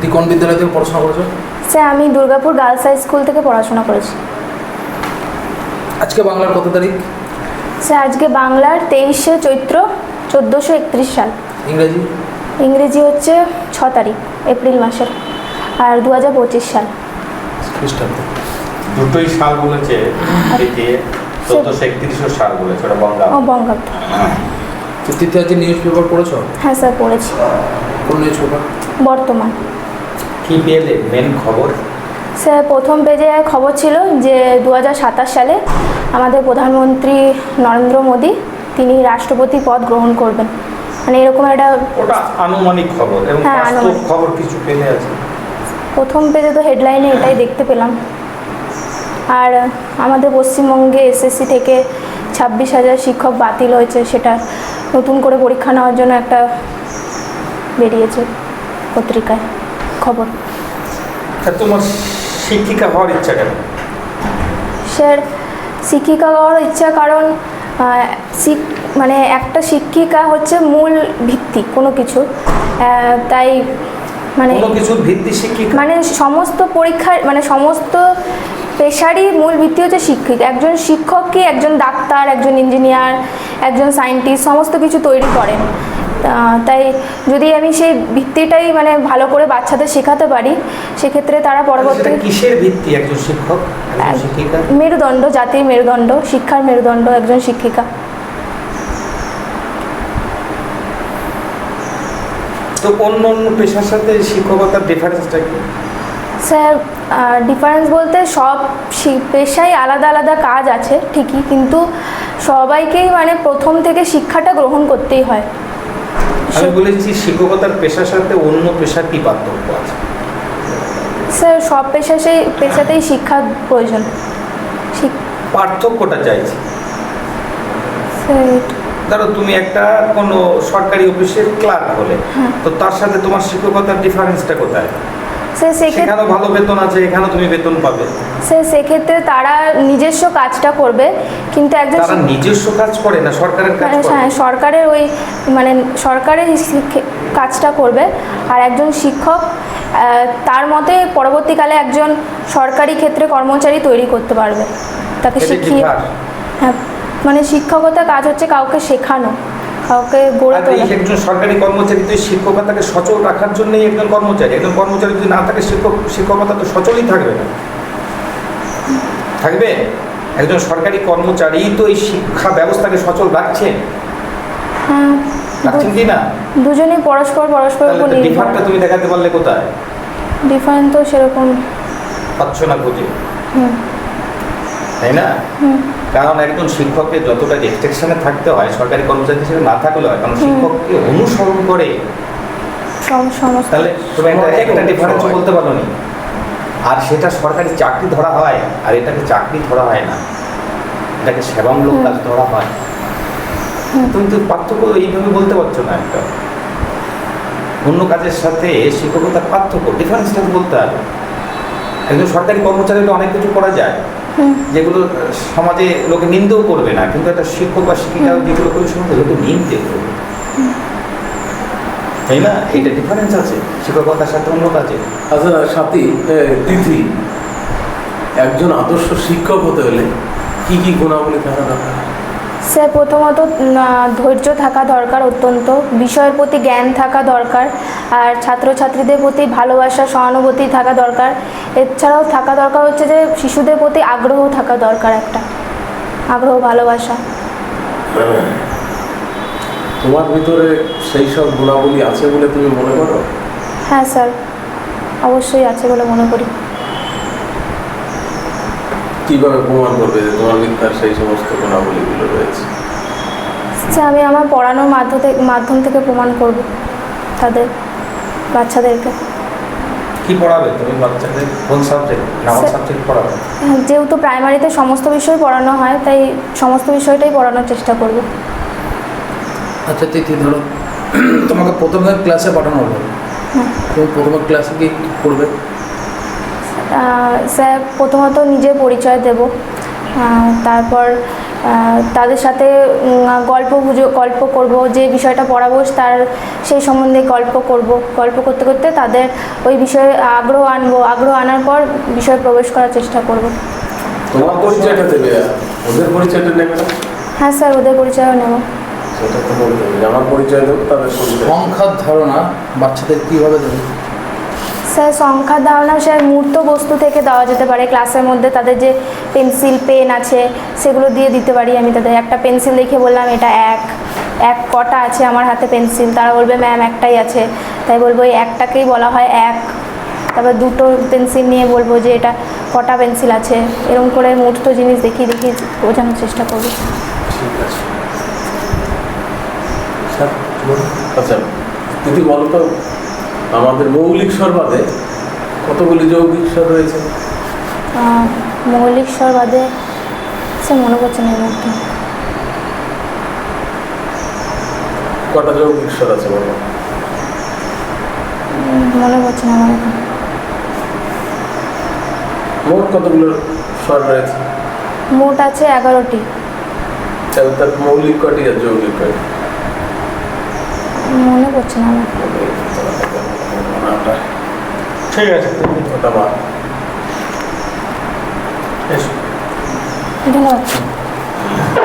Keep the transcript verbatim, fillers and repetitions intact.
তুই কোন বিদ্যালয় থেকে পড়াশোনা করেছো? স্যার আমি দুর্গাপুর গার্লস হাই স্কুল থেকে পড়াশোনা করেছি। আজকে বাংলার কত তারিখ? স্যার আজকে বাংলার তেইশে চৈত্র চোদ্দোশো একত্রিশ সাল। ইংরেজি? ইংরেজি হচ্ছে ছ তারিখ এপ্রিল মাসের, আর দু হাজার পঁচিশ সাল খ্রিস্টাব্দ। দুটোই সাল বলেছে, এদিকে চোদ্দোশো একত্রিশশো সাল বলেছে, ওটা বঙ্গাব্দ। ও বঙ্গাব্দ। তৃতীয় আজকে নিউজ পেপার পড়েছো? হ্যাঁ স্যার পড়েছি। কোন নিউজ পেপার? বর্তমান। কি পেলে মেন খবর? স্যার প্রথম পেজে খবর ছিল যে দু হাজার সাতাশ সালে আমাদের প্রধানমন্ত্রী নরেন্দ্র মোদী তিনি রাষ্ট্রপতি পদ গ্রহণ করবেন, মানে এরকম একটা। ওটা আনুমানিক খবর এবং হ্যাঁ, বাস্তব আনুমানিক। খবর কিছু পেলে আছে? প্রথম পেজে তো হেডলাইনে এটাই দেখতে পেলাম। আর আমাদের পশ্চিমবঙ্গে এসএসসি থেকে ছাব্বিশ হাজার শিক্ষক বাতিল হয়েছে, সেটা নতুন করে পরীক্ষা নেওয়ার জন্য একটা বেরিয়েছে পত্রিকায় খবর। তা তোমার শিক্ষিকা হওয়ার ইচ্ছা কেন? স্যার শিক্ষিকা হওয়ার ইচ্ছা কারণ আহ, শিক- মানে একটা শিক্ষিকা হচ্ছে মূল ভিত্তি কোনো কিছু, আহ, তাই মানে কোনো কিছুর ভিত্তি শিক্ষিকা? মানে সমস্ত পরীক্ষার মানে সমস্ত পেশারই মূল ভিত্তি হচ্ছে শিক্ষিকা। একজন শিক্ষককে একজন ডাক্তার, একজন ইঞ্জিনিয়ার, একজন সায়েন্টিস্ট সমস্ত কিছু তৈরি করেন। আহ, তাই যদি আমি সেই ভিত্তিটাই মানে ভালো করে বাচ্চাদের শেখাতে পারি, সেক্ষেত্রে তারা পরবর্তী সেটা কিসের ভিত্তি একজন শিক্ষক, একজন শিক্ষিকা? মেরুদণ্ড, জাতির মেরুদণ্ড, শিক্ষার মেরুদণ্ড একজন শিক্ষিকা। তো অন্য অন্য পেশার সাথে শিক্ষকতার ডিফারেন্সটা কি? স্যার ডিফারেন্স বলতে সব শি- পেশায় আলাদা আলাদা কাজ আছে ঠিকই, কিন্তু সবাইকেই মানে প্রথম থেকে শিক্ষাটা গ্রহণ করতেই হয়। আমি বলেছি শিক্ষকতার পেশার সাথে অন্য পেশার কি পার্থক্য আছে? স্যার সব পেশা সেই পেশাতেই শিক্ষার প্রয়োজন। শিক- পার্থক্যটা চাইছি। স্যার ধরো তুমি একটা কোনো সরকারি অফিসের ক্লার্ক হলে, তো তার সাথে তোমার শিক্ষকতার ডিফারেন্সটা কোথায়? স্যার সেক্ষেত্রে সেখানেও ভালো বেতন আছে, এখানেও তুমি বেতন পাবে। স্যার সেক্ষেত্রে তারা নিজস্ব কাজটা করবে, কিন্তু একজন তারা শিক- নিজস্ব কাজ করে না, সরকারের কাজ মানে করে। হ্যাঁ সরকারের ওই মানে সরকারের শিক্ষে- কাজটা করবে। আর একজন শিক্ষক আহ, তার মতে পরবর্তীকালে একজন সরকারি ক্ষেত্রে কর্মচারী তৈরি করতে পারবে, তাকে এটা শিখিয়ে। differ। হ্যাঁ মানে শিক্ষকতা কাজ হচ্ছে কাউকে শেখানো, কাউকে গড়ে আর এই তোলা। একজন সরকারি কর্মচারী তো এই শিক্ষকতাকে সচল রাখার জন্যই একজন কর্মচারী। একজন কর্মচারী যদি না থাকে, শিক্ষক শিক্ষকতা তো সচলই থাকবে না, থাকবে? একজন সরকারি কর্মচারী তো এই শিক্ষা ব্যবস্থাকে সচল রাখছে, হ্যাঁ রাখছেন কি না? দুজনেই পরস্পর পরস্পরের উপর তাহলে নির্ভর। ডিফারটা তুমি দেখাতে পারলে কোথায়? ডিফারেন্ট তো সেরকম। পাচ্ছ না খুঁজে, হুম তাই না? হুম কারণ একজন শিক্ষককে যতটা রেস্ট্রিকশনে থাকতে হয়, সরকারি কর্মচারী হিসেবে না থাকলেও হয়, কারণ শিক্ষককে অনুসরণ করে। সম- সমস্ত। তাহলে তুমি একটা একটা ডিফারেন্স বলতে পারো নি। আর সেটা সরকারি চাকরি ধরা হয়, আর এটাকে চাকরি ধরা হয় না, এটাকে সেবামূলক কাজ ধরা হয়। তুমি তো পার্থক্য এইভাবে বলতে পারছো না। একটা অন্য কাজের সাথে শিক্ষকতার পার্থক্য, ডিফারেন্সটা বলতে হবে। একজন সরকারি কর্মচারীরা অনেক কিছু করা যায় যেগুলো সমাজে লোকে নিন্দেও করবে না, কিন্তু একটা শিক্ষক বা শিক্ষিকা যেগুলো করে সমাজে লোকে নিন্দে করবে, তাই না? এটা ডিফারেন্স আছে শিক্ষকতার সাথে অন্য কাজে। আচ্ছা সাথী, এ, তিথি, একজন আদর্শ শিক্ষক হতে হলে কি কি গুণাবলী থাকা দরকার? স্যার প্রথমত আহ, ধৈর্য থাকা দরকার অত্যন্ত, বিষয়ের প্রতি জ্ঞান থাকা দরকার, আর ছাত্রছাত্রীদের প্রতি ভালোবাসা সহানুভূতি থাকা দরকার। এছাড়াও থাকা দরকার হচ্ছে যে শিশুদের প্রতি আগ্রহ থাকা দরকার, একটা আগ্রহ ভালোবাসা। তোমার ভিতরে সেই সব গুণাবলী আছে বলে তুমি মনে করো? হ্যাঁ স্যার অবশ্যই আছে বলে মনে করি। কিভাবে প্রমাণ করবে যে তোমার ভিতরে সেই সমস্ত গুণাবলীগুলো রয়েছে? স্যার আমি আমার পড়ানোর মাধ্যম থেকে মাধ্যম থেকে প্রমাণ করব তাদের, বাচ্চাদেরকে। কি পড়াবে তুমি বাচ্চাদের? কোন সাবজেক্ট, নাম সাবজেক্ট পড়াবে? হ্যাঁ, যেহেতু প্রাইমারিতে সমস্ত বিষয় পড়ানো হয়, তাই সমস্ত বিষয়টাই পড়ানোর চেষ্টা করব। আচ্ছা তিথি, ধরো তোমাকে প্রথমে ক্লাসে পাঠানো হলো, তুমি প্রথমে ক্লাসে কি করবে? আহ, স্যার প্রথমত নিজের পরিচয় দেব, আহ, তারপর আহ, তাদের সাথে উম, গল্প গুজব গল্প করব, যে বিষয়টা পড়াবো তার সেই সম্বন্ধে গল্প করব। গল্প করতে করতে তাদের ওই বিষয়ে আগ্রহ আনবো, আগ্রহ আনার পর বিষয়ে প্রবেশ করার চেষ্টা করব। তোমার পরিচয়টা দেবে, ওদের পরিচয়টা নেবে না? হ্যাঁ স্যার, ওদের পরিচয়ও নেব। সেটা তো বলতে হবে যে আমার পরিচয় দেবো, তাদের পরিচয়। সংখ্যার ধারণা বাচ্চাদের কীভাবে দেবে? স্যার সংখ্যার ধারণা স্যার মূর্ত বস্তু থেকে দেওয়া যেতে পারে। ক্লাসের মধ্যে তাদের যে পেন্সিল পেন আছে সেগুলো দিয়ে দিতে পারি। আমি তাদের একটা পেন্সিল দেখে বললাম এটা এক এক কটা আছে আমার হাতে পেন্সিল, তারা বলবে ম্যাম একটাই আছে, তাই বলবো এই একটাকেই বলা হয় এক। তারপর দুটো পেন্সিল নিয়ে বলবো যে এটা কটা পেন্সিল আছে, এরকম করে মূর্ত জিনিস দেখিয়ে দেখিয়ে বোঝানোর চেষ্টা করবো। ঠিক আছে স্যার, বলুন। আচ্ছা দিদি বলো তো, আমাদের মৌলিক স্বর বাদে কতগুলি যৌগিক স্বর রয়েছে? আহ, মৌলিক স্বর বাদে স্যার মনে পড়ছে না এই মুহূর্তে। কটা যৌগিক স্বর আছে বলো? উম, মনে পড়ছে না আমার এখন। মোট কতগুলো স্বর রয়েছে? মোট আছে এগারোটি। তাহলে তার মৌলিক কটি আর যৌগিক কটি? মনে পড়ছে না আমার। ঠিক আছে, ওটা বাদ। এসো। ধন্যবাদ।